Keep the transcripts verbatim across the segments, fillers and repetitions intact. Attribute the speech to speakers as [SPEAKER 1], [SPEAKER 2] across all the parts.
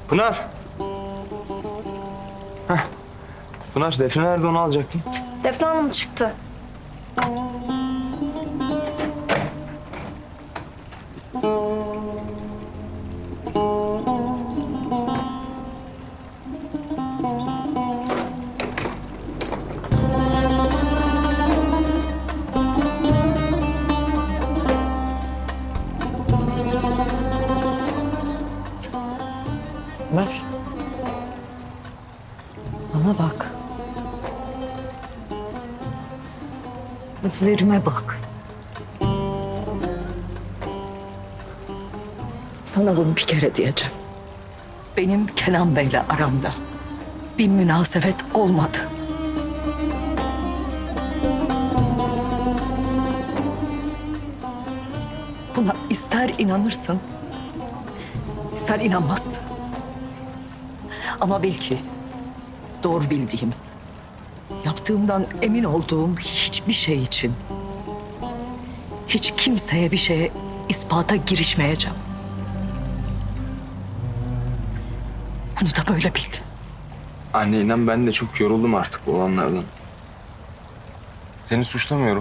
[SPEAKER 1] Pınar. Heh. Pınar, Defne nerede, onu alacaktım.
[SPEAKER 2] Defne Hanım çıktı.
[SPEAKER 3] Ömer. Bana bak. Gözlerime bak. Sana bunu bir kere diyeceğim. Benim Kenan Bey'le aramda bir münasebet olmadı. Buna ister inanırsın, ister inanmazsın. Ama bil ki doğru bildiğim, yaptığımdan emin olduğum hiçbir şey için hiç kimseye bir şeye ispata girişmeyeceğim. Bunu da böyle bil.
[SPEAKER 1] Anne inan, ben de çok yoruldum artık bu olanlardan. Seni suçlamıyorum.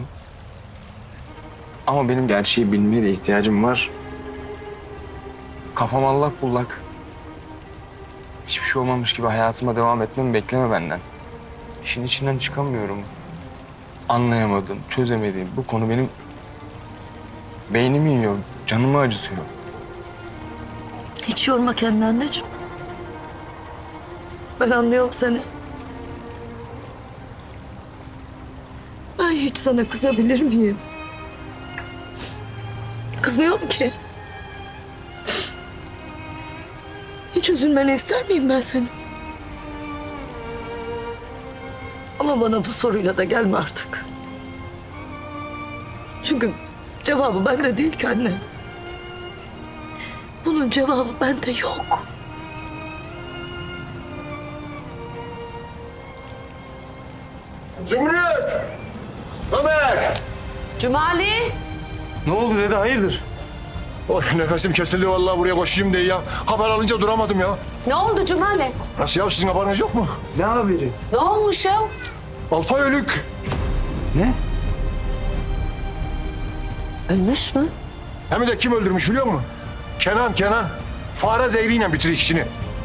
[SPEAKER 1] Ama benim gerçeği bilmeye de ihtiyacım var. Kafam allak bullak. Hiçbir şey olmamış gibi hayatıma devam etmemi bekleme benden. İşin içinden çıkamıyorum. Anlayamadım, çözemediğim bu konu benim beynimi yiyor, canımı acıtıyor.
[SPEAKER 3] Hiç yorma kendini anneciğim. Ben anlıyorum seni. Ben hiç sana kızabilir miyim? Kızmıyorum ki. Hiç üzülmeni ister miyim ben senin? Ama bana bu soruyla da gelme artık. Çünkü cevabı bende değil ki anne. Bunun cevabı bende yok.
[SPEAKER 4] Zümrüt! Ömer!
[SPEAKER 5] Cumali.
[SPEAKER 1] Ne oldu dede, hayırdır?
[SPEAKER 4] Oy, nefesim kesildi vallahi, buraya koşayım diye ya. Haber alınca duramadım ya.
[SPEAKER 5] Ne oldu Cumali?
[SPEAKER 4] Nasıl ya, sizin haberiniz yok mu?
[SPEAKER 1] Ne haberi?
[SPEAKER 5] Ne olmuş ya?
[SPEAKER 4] Alpay ölük.
[SPEAKER 1] Ne?
[SPEAKER 3] Ölmüş mü?
[SPEAKER 4] Hem de kim öldürmüş biliyor musun? Kenan, Kenan. Fare zehriyle bitiriyor işini.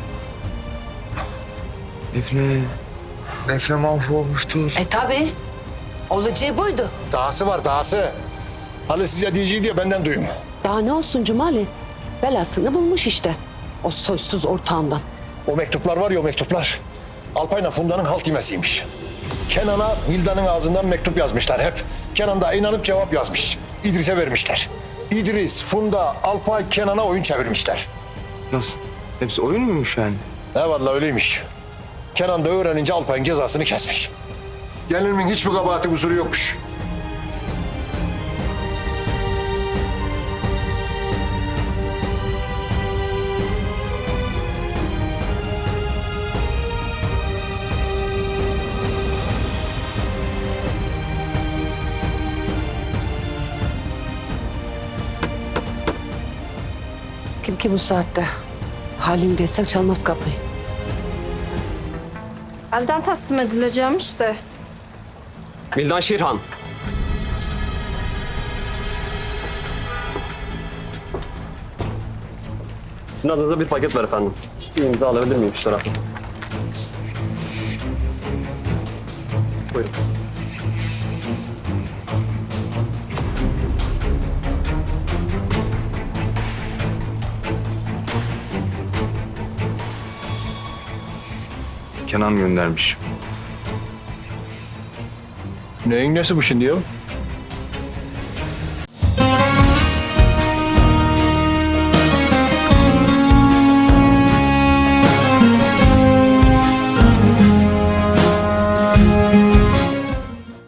[SPEAKER 1] Defne. Defne mahvolmuştur.
[SPEAKER 5] E tabii. Olacağı buydu.
[SPEAKER 4] Dahası var, dahası. Hani size diyeceği diye benden duyun.
[SPEAKER 6] Daha ne olsun Cumali? Belasını bulmuş işte. O soysuz ortağından.
[SPEAKER 4] O mektuplar var ya, o mektuplar. Alpay'la Funda'nın halt yemesiymiş. Kenan'a Hilda'nın ağzından mektup yazmışlar hep. Kenan da inanıp cevap yazmış. İdris'e vermişler. İdris, Funda, Alpay, Kenan'a oyun çevirmişler.
[SPEAKER 1] Nasıl? Hepsi oyun muymuş yani?
[SPEAKER 4] Ne vallahi öyleymiş. Kenan da öğrenince Alpay'ın cezasını kesmiş. Gelinimin hiçbir kabahati kusuru yokmuş.
[SPEAKER 6] Kim ki bu saatte? Halil desek çalmaz kapıyı.
[SPEAKER 2] Elden teslim edileceğim işte.
[SPEAKER 7] Vildan Şirhan. Sizin adınıza bir paket var efendim. Bir imza alabilir miyim şu tarafa? Buyurun.
[SPEAKER 1] Kenan göndermiş.
[SPEAKER 4] Neyin nesi bu şimdi ya?